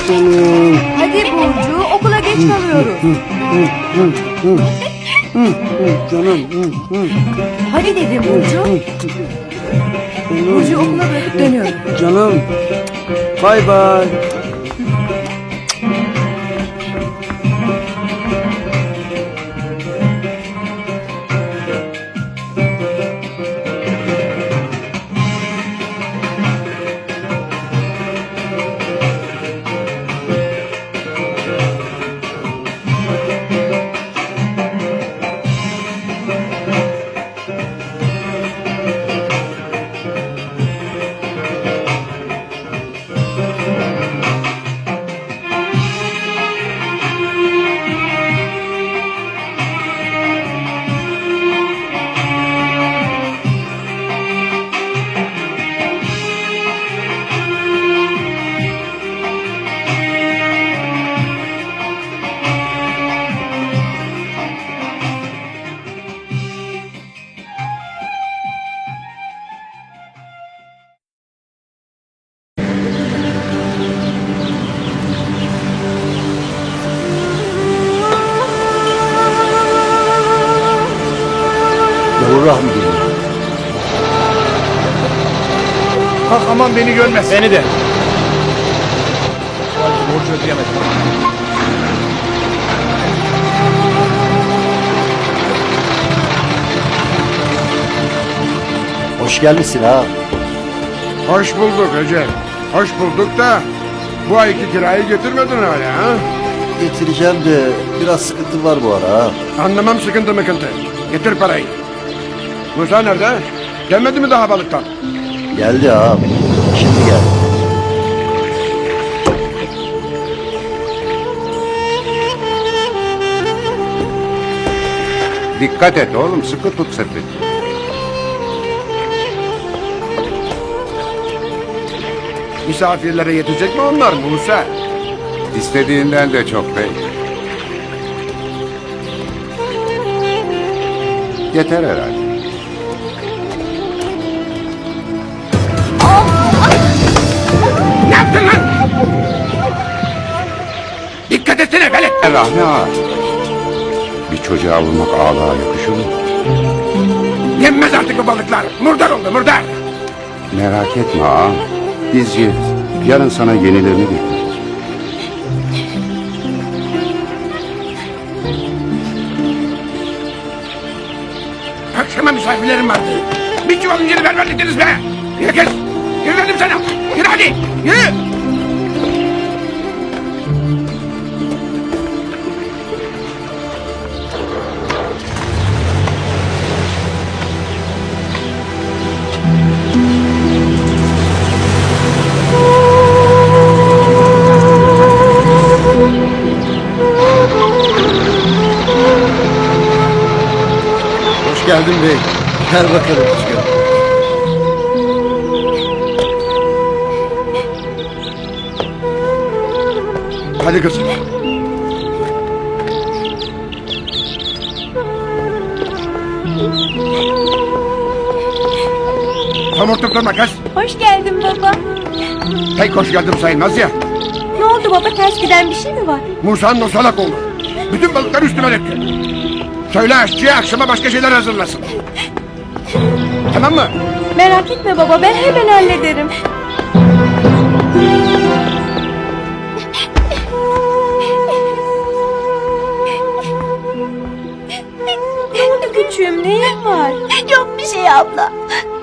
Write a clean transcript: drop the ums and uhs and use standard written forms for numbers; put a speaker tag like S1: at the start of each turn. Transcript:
S1: Canım.
S2: Hadi Burcu, okula geç kalıyoruz.
S1: Canım.
S2: Hadi dedim Burcu. Burcu okula bırakıp dönüyorum.
S1: Canım. Bay bay. Rahmi geliyor.
S3: Kalk aman beni görmez.
S4: Beni de.
S3: Borcu ödeyemedim.
S1: Hoş gelmişsin ha.
S3: Hoş bulduk Recep. Hoş bulduk da bu ayki kirayı getirmedin hala ha?
S1: Getireceğim de biraz sıkıntı var bu ara ha.
S3: Anlamam sıkıntı mıkıntı. Getir parayı. Musa nerede? Gelmedi mi daha balıktan?
S1: Geldi ha. Şimdi geldi.
S5: Dikkat et oğlum, sıkı tut sepeti.
S3: Misafirlere yetecek mi onlar Musa?
S5: İstediğinden de çok bey. Yeter herhalde.
S3: Ne yaptın lan? Dikkat etsene velet.
S5: Rahmi ağa. Bir çocuğa vurmak ağlığa yakışır mı?
S3: Yenmez artık bu balıklar. Murdar oldu murdar.
S5: Merak etme ağa. Biz yeriz. Yarın sana yenilerini getiririz.
S3: Akşama misafirlerim vardı. Bir çuval inciri vermediniz be. Yürü kız. Yürü dedim sana. Yürü hadi. Yürü.
S1: Hoş geldin bey. Gel bakalım. Hoş geldin.
S3: Hadi kızım. Somurtup durma kız.
S2: Hoş geldin baba.
S3: Pek hoş geldim sayılmaz ya.
S2: Ne oldu baba, ters giden bir şey mi var?
S3: Musa'nın o salak oğlu. Bütün balıkları üstüme döktü. Söyle aşçıya akşama başka şeyler hazırlasın. Tamam mı?
S2: Merak etme baba, ben hemen hallederim. Ne oldu küçüğüm, neyin var?
S6: Yok bir şey abla.